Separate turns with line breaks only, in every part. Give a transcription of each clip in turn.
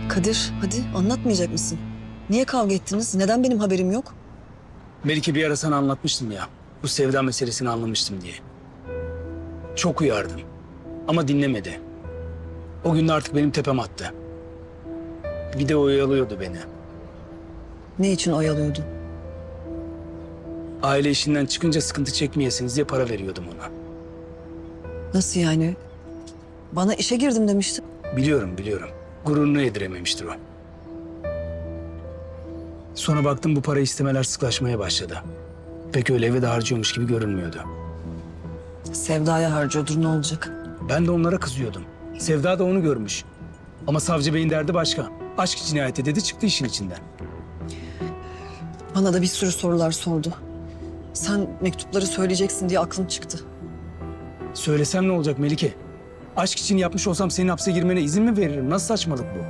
Kadir, hadi anlatmayacak mısın? Niye kavga ettiniz? Neden benim haberim yok?
Melike bir ara sana anlatmıştım ya. Bu sevda meselesini anlamıştım diye. Çok uyardım. Ama dinlemedi. O gün de artık benim tepem attı. Bir de oyalıyordu beni.
Ne için oyalıyordu?
Aile işinden çıkınca sıkıntı çekmeyesiniz diye para veriyordum ona.
Nasıl yani? Bana işe girdim demiştin.
Biliyorum. Gururunu yedirememiştir o. Sonra baktım bu para istemeler sıklaşmaya başladı. Pek öyle eve de harcıyormuş gibi görünmüyordu.
Sevdaya harcıyordur, ne olacak?
Ben de onlara kızıyordum. Sevda da onu görmüş. Ama savcı beyin derdi başka. Aşk cinayeti dedi çıktı işin içinden.
Bana da bir sürü sorular sordu. Sen mektupları söyleyeceksin diye aklım çıktı.
Söylesem ne olacak Melike? Aşk için yapmış olsam senin hapse girmene izin mi veririm? Nasıl saçmalık bu?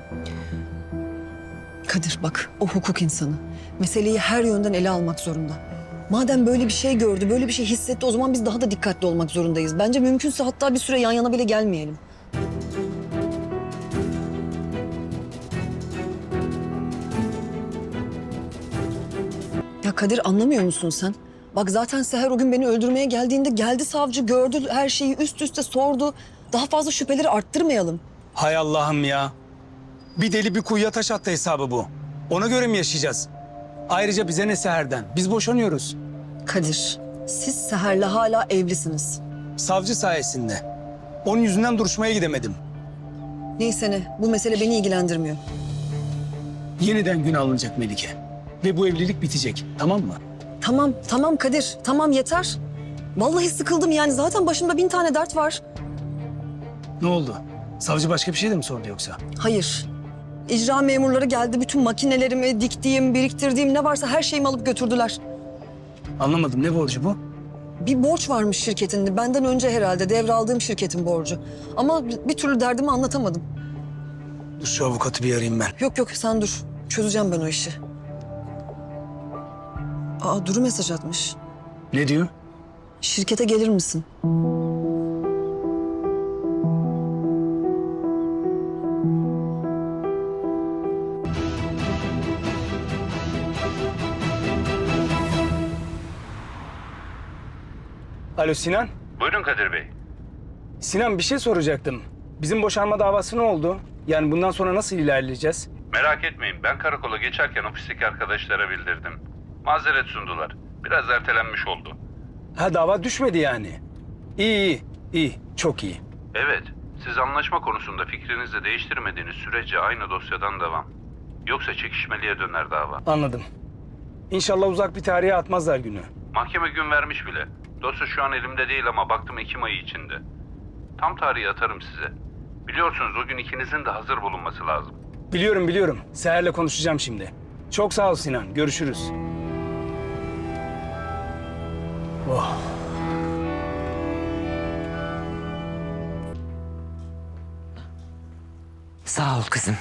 Kadir bak, o hukuk insanı. Meseleyi her yönden ele almak zorunda. Madem böyle bir şey gördü, böyle bir şey hissetti, o zaman biz daha da dikkatli olmak zorundayız. Bence mümkünse hatta bir süre yan yana bile gelmeyelim. Ya Kadir, anlamıyor musun sen? Bak zaten Seher o gün beni öldürmeye geldiğinde geldi savcı, gördü her şeyi, üst üste sordu. Daha fazla şüpheleri arttırmayalım.
Hay Allah'ım ya. Bir deli bir kuyuya taş attı hesabı bu. Ona göre mi yaşayacağız? Ayrıca bize ne Seher'den? Biz boşanıyoruz.
Kadir, siz Seher'le hala evlisiniz.
Savcı sayesinde. Onun yüzünden duruşmaya gidemedim.
Neyse ne, bu mesele beni ilgilendirmiyor.
Yeniden gün alınacak Melike. Ve bu evlilik bitecek. Tamam mı?
Tamam Kadir, tamam yeter. Vallahi sıkıldım yani, zaten başımda 1000 tane dert var.
Ne oldu? Savcı başka bir şey de mi sordu yoksa?
Hayır. İcra memurları geldi, bütün makinelerimi, diktiğim, biriktirdiğim ne varsa her şeyimi alıp götürdüler.
Anlamadım. Ne borcu bu?
Bir borç varmış şirketin, benden önce herhalde devraldığım şirketin borcu. Ama bir türlü derdimi anlatamadım.
Dur şu avukatı bir arayayım ben.
Yok sen dur, çözeceğim ben o işi. Aa, Duru mesaj atmış.
Ne diyor?
Şirkete gelir misin?
Alo Sinan.
Buyurun Kadir Bey.
Sinan bir şey soracaktım. Bizim boşanma davası ne oldu? Yani bundan sonra nasıl ilerleyeceğiz?
Merak etmeyin, ben karakola geçerken ofisteki arkadaşlara bildirdim. Mazeret sundular. Biraz ertelenmiş oldu.
Ha dava düşmedi yani. İyi. Çok iyi.
Evet, siz anlaşma konusunda fikrinizi değiştirmediğiniz sürece aynı dosyadan devam. Yoksa çekişmeliye döner dava.
Anladım. İnşallah uzak bir tarihe atmazlar günü.
Mahkeme gün vermiş bile. Dosya şu an elimde değil ama baktım Ekim ayı içinde. Tam tarihi atarım size. Biliyorsunuz o gün ikinizin de hazır bulunması lazım.
Biliyorum. Seher'le konuşacağım şimdi. Çok sağ ol Sinan. Görüşürüz. Oh.
Sağ ol kızım.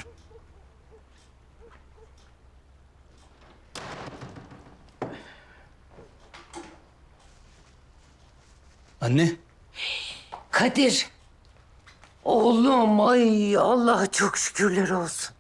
Anne.
Kadir. Oğlum, ay Allah'a çok şükürler olsun.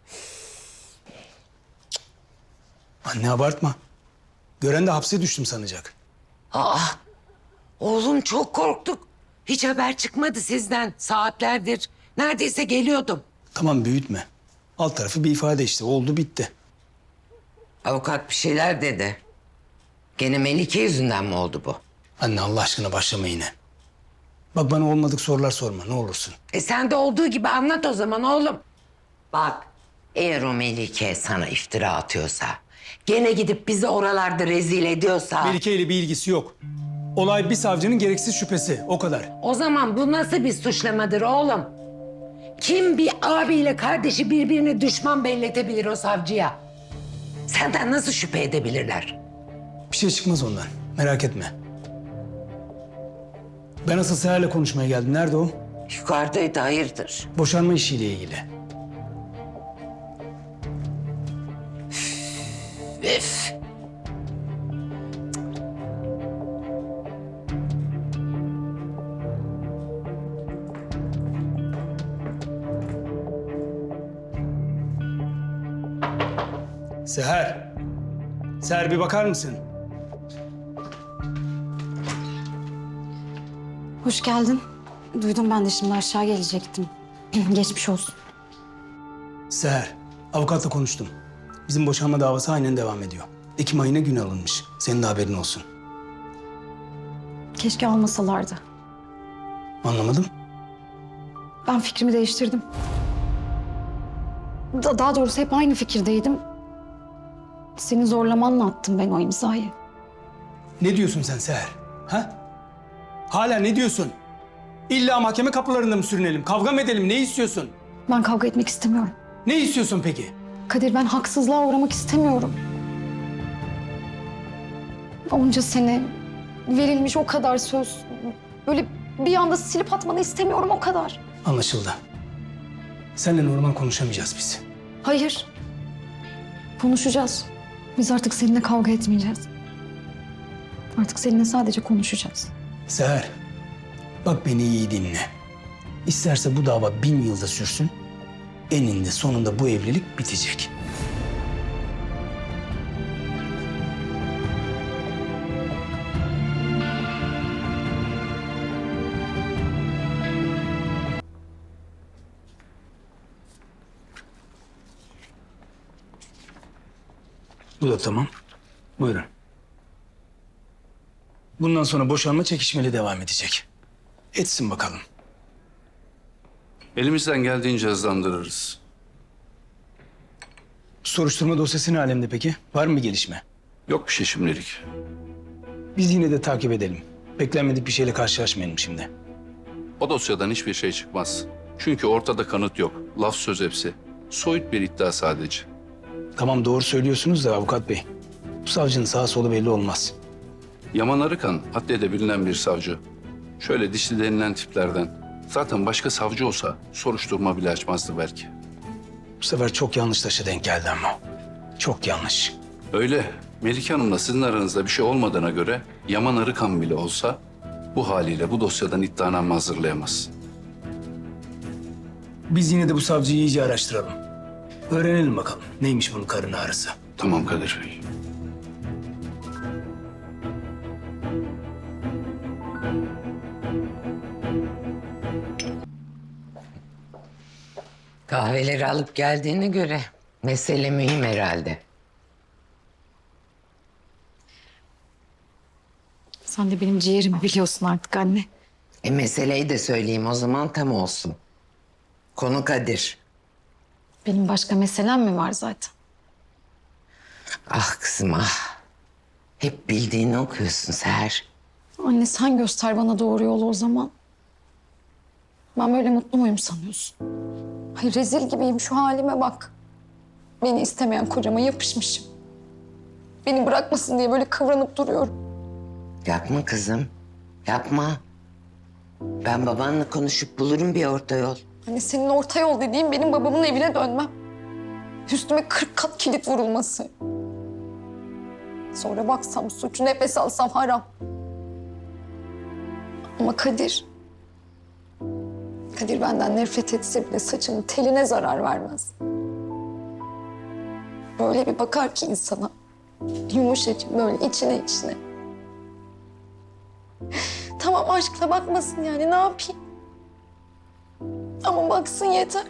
Anne abartma. Gören de hapse düştüm sanacak.
Oğlum çok korktuk. Hiç haber çıkmadı sizden saatlerdir. Neredeyse geliyordum.
Tamam büyütme. Alt tarafı bir ifade işte. Oldu bitti.
Avukat bir şeyler dedi. Gene Melike yüzünden mi oldu bu?
Anne Allah aşkına başlama yine. Bak bana olmadık sorular sorma ne olursun.
Sen de olduğu gibi anlat o zaman oğlum. Bak, eğer o Melike sana iftira atıyorsa, gene gidip bizi oralarda rezil ediyorsa...
Melike ile bir ilgisi yok. Olay bir savcının gereksiz şüphesi. O kadar.
O zaman bu nasıl bir suçlamadır oğlum? Kim bir abiyle kardeşi birbirine düşman belletebilir o savcıya? Senden nasıl şüphe edebilirler?
Bir şey çıkmaz ondan. Merak etme. Ben asıl Seher'le konuşmaya geldim. Nerede o?
Yukarıdaydı, hayırdır?
Boşanma işiyle ilgili.
Üf!
Seher. Seher bir bakar mısın?
Hoş geldin. Duydum ben de şimdi aşağı gelecektim. Geçmiş olsun.
Seher, avukatla konuştum. Bizim boşanma davası aynen devam ediyor. Ekim ayına gün alınmış. Senin de haberin olsun.
Keşke almasalardı.
Anlamadım.
Ben fikrimi değiştirdim. Daha doğrusu hep aynı fikirdeydim. Seni zorlamanla attım ben o imzayı.
Ne diyorsun sen Seher? Ha? Hala ne diyorsun? İlla mahkeme kapılarında mı sürünelim? Kavga mı edelim? Ne istiyorsun?
Ben kavga etmek istemiyorum.
Ne istiyorsun peki?
Kadir, ben haksızlığa uğramak istemiyorum. Onca sene verilmiş o kadar söz. Böyle bir anda silip atmanı istemiyorum, o kadar.
Anlaşıldı. Seninle normal konuşamayacağız biz.
Hayır. Konuşacağız. Biz artık seninle kavga etmeyeceğiz. Artık seninle sadece konuşacağız.
Seher, bak beni iyi dinle. İsterse bu dava 1000 yılda sürsün, eninde sonunda bu evlilik bitecek. Bu da tamam. Buyurun. Bundan sonra boşanma çekişmeli devam edecek. Etsin bakalım.
Elimizden geldiğince hızlandırırız.
Soruşturma dosyası ne alemde peki? Var mı bir gelişme?
Yok bir şey şimdilik.
Biz yine de takip edelim. Beklenmedik bir şeyle karşılaşmayalım şimdi.
O dosyadan hiçbir şey çıkmaz. Çünkü ortada kanıt yok. Laf söz hepsi. Soyut bir iddia sadece.
Tamam doğru söylüyorsunuz da avukat bey. Bu savcının sağa solu belli olmaz.
Yaman Arıkan adliyede bilinen bir savcı. Şöyle dişli denilen tiplerden. Zaten başka savcı olsa soruşturma bile açmazdı belki.
Bu sefer çok yanlış taşa denk geldi ama. Çok yanlış.
Öyle. Melike Hanım'la sizin aranızda bir şey olmadığına göre Yaman Arıkan bile olsa bu haliyle bu dosyadan iddianame hazırlayamaz.
Biz yine de bu savcıyı iyice araştıralım. Öğrenelim bakalım neymiş bunun karın ağrısı.
Tamam Kadir Bey.
Kahveleri alıp geldiğine göre mesele mühim herhalde.
Sen de benim ciğerimi biliyorsun artık anne.
Meseleyi de söyleyeyim o zaman tam olsun. Konu Kadir.
Benim başka meselem mi var zaten?
Ah kızım ah. Hep bildiğini okuyorsun Seher.
Anne sen göster bana doğru yolu o zaman. Ben böyle mutlu muyum sanıyorsun? Hayır, rezil gibiyim, şu halime bak. Beni istemeyen kocama yapışmışım. Beni bırakmasın diye böyle kıvranıp duruyorum.
Yapma kızım. Yapma. Ben babanla konuşup bulurum bir orta yol.
Hani senin orta yol dediğin benim babamın evine dönmem. Üstüme 40 kat kilit vurulması. Sonra baksam suç, nefes alsam haram. Ama Kadir benden nefret etse bile saçının teline zarar vermez. Böyle bir bakar ki insana. Yumuşacık böyle içine içine. Tamam aşkla bakmasın yani, ne yapayım? Ama baksın yeter.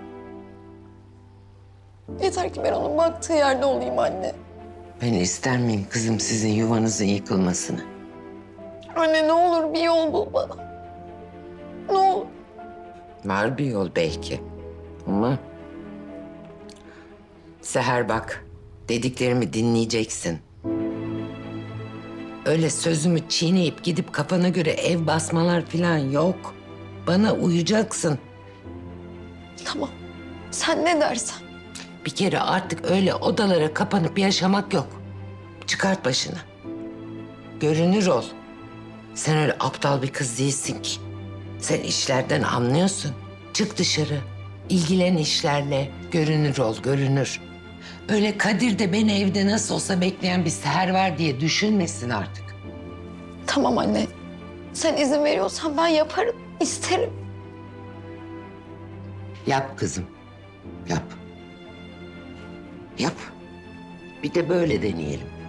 Yeter ki ben onun baktığı yerde olayım anne.
Ben ister miyim kızım sizin yuvanızın yıkılmasını?
Anne ne olur bir yol bul bana. Ne olur.
Var bir yol belki. Ama... Seher bak, dediklerimi dinleyeceksin. Öyle sözümü çiğneyip gidip kafana göre ev basmalar falan yok. Bana uyacaksın.
Tamam. Sen ne dersen.
Bir kere artık öyle odalara kapanıp yaşamak yok. Çıkart başını. Görünür ol. Sen öyle aptal bir kız değilsin ki. Sen işlerden anlıyorsun. Çık dışarı. İlgilen işlerle. Görünür ol, görünür. Öyle Kadir de beni evde nasıl olsa bekleyen bir Seher var diye düşünmesin artık.
Tamam anne. Sen izin veriyorsan ben yaparım. İsterim.
Yap kızım. Yap. Yap. Bir de böyle deneyelim.